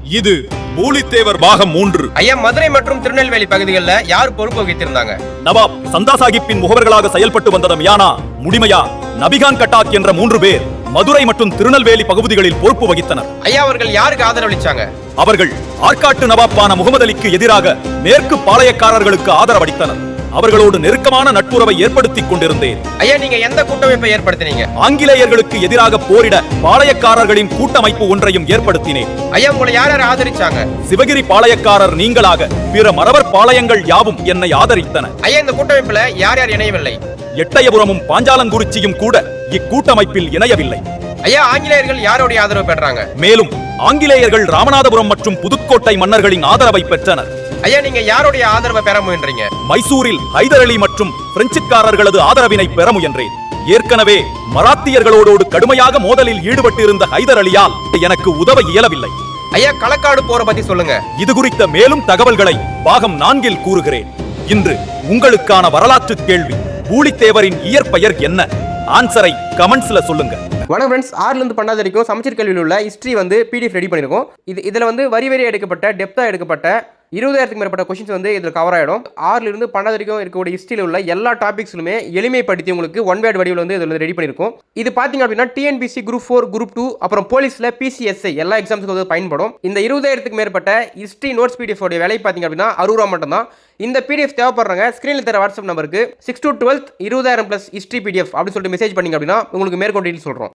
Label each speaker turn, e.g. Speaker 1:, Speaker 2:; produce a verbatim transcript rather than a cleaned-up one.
Speaker 1: இது பூலித்தேவர் பாகம் மூன்று.
Speaker 2: ஐயா, மதுரை மற்றும் திருநெல்வேலி பகுதிகளில் யார் பொறுப்பு வகித்திருந்தாங்க?
Speaker 1: நவாப் சந்தா சாஹிப்பின் முகவர்களாக செயல்பட்டு வந்த மியானா, முடிமையா, நபிகான் கட்டாக் என்ற மூன்று பேர் மதுரை மற்றும் திருநெல்வேலி பகுதிகளில் பொறுப்பு வகித்தனர்.
Speaker 2: ஐயா, அவர்கள் யாருக்கு ஆதரவளிச்சாங்க?
Speaker 1: அவர்கள் ஆற்காட்டு நவாப்பான முகமது அலிக்கு எதிராக மேற்கு பாளையக்காரர்களுக்கு ஆதரவளித்தனர். அவர்களோடு நெருக்கமான நட்புறவை ஏற்படுத்திக் கொண்டிருந்தேன்.
Speaker 2: ஐயா, நீங்க எந்த கூட்டமைப்பை ஏற்படுத்தினீங்க?
Speaker 1: ஆங்கிலேயர்களுக்கு எதிராக போரிட பாளையக்காரர்களின் கூட்டமைப்பு ஒன்றையும் ஏற்படுத்தினேன்.
Speaker 2: ஐயா, உங்களை யார் யார் ஆதரிச்சாங்க?
Speaker 1: சிவகிரி பாளையக்காரர் நீங்களாக பிற மறவர் பாளையங்கள் யாவும் என்னை ஆதரித்தன.
Speaker 2: ஐயா, இந்த கூட்டமைப்புல யார் யார் இணையவில்லை?
Speaker 1: எட்டயபுரமும் பாஞ்சாலங்குறிச்சியும் கூட இக்கூட்டமைப்பில் இணையவில்லை.
Speaker 2: ஐயா, ஆங்கிலேயர்கள் யாருடைய ஆதரவு பெற்றாங்க?
Speaker 1: மேலும் ஆங்கிலேயர்கள் ராமநாதபுரம் மற்றும் புதுக்கோட்டை மன்னர்களின் ஆதரவை பெற்றனர்.
Speaker 2: ஐயா, நீங்க யாருடைய ஆதரவை பெற முயன்றீங்க?
Speaker 1: மைசூரில் ஹைதர் அலி மற்றும் பிரெஞ்சுக்காரர்களது ஆதரவினை பெற முயன்றேன். ஏற்கனவே மராத்தியர்களோடு கடுமையாக மோதலில் ஈடுபட்டிருந்த ஹைதர் அலியால் எனக்கு உதவ இயலவில்லை.
Speaker 2: ஐயா, களக்காடு போற பத்தி சொல்லுங்க.
Speaker 1: இது குறித்த மேலும் தகவல்களை பாகம் நான்கில் கூறுகிறேன். இன்று உங்களுக்கான வரலாற்று கேள்வி, பூலித்தேவரின் இயற்பெயர் என்ன? ஆன்சரை கமெண்ட்ஸ்ல சொல்லுங்க.
Speaker 2: வணக்கம் ஃப்ரெண்ட்ஸ், ஆறுல இருந்து பன்னெண்டாவது வரைக்கும் சமச்சீர் கல்வியில் உள்ள ஹிஸ்ட்ரி வந்து பிடிஎஃப் ரெடி பண்ணிருக்கோம். இது இதுல வந்து வரி வரி எடுக்கப்பட்ட டெப்தா எடுக்கப்பட்ட இருபதாயிரத்துக்கு மேற்பட்ட கொஸ்டின்ஸ் வந்து இதில் கவர் ஆகிடும். ஆறுல இருந்து பன்னெண்டு வரைக்கும் இருக்கக்கூடிய ஹிஸ்ட்ரியில் உள்ள எல்லா டாபிக்ஸ்லுமே எளிமைப்படுத்தி உங்களுக்கு ஒன் வேர்ட் வடிவில் வந்து இதில் ரெடி பண்ணியிருக்கோம். இது பார்த்தீங்க அப்படின்னா TNPSC group four, group two, அப்புறம் போலீஸில் பிசிஎஸ்ஐ எல்லா எக்ஸாம்ஸுக்கு வந்து பயன்படும். இந்த இருபதாயிரத்துக்கு மேற்பட்ட ஹிஸ்ட்ரி நோட்ஸ் பிடிஎஃப் உடைய விலை பார்த்தீங்க அப்படின்னா அறுபது ரூபா மட்டும் தான். இந்த பிடிஎஃப் தேவைப்படுறாங்க ஸ்க்ரீனில் தர வாட்ஸ்அப் நம்பருக்கு சிக்ஸ் டூ டுவெல்த் இருபதாயிரம் பிளஸ் ஹிஸ்ட்ரி பிடிஎஃப் அப்படின்னு சொல்லிட்டு மெசேஜ் பண்ணிங்க அப்படின்னா உங்களுக்கு மேற்கொண்டு சொல்கிறோம்.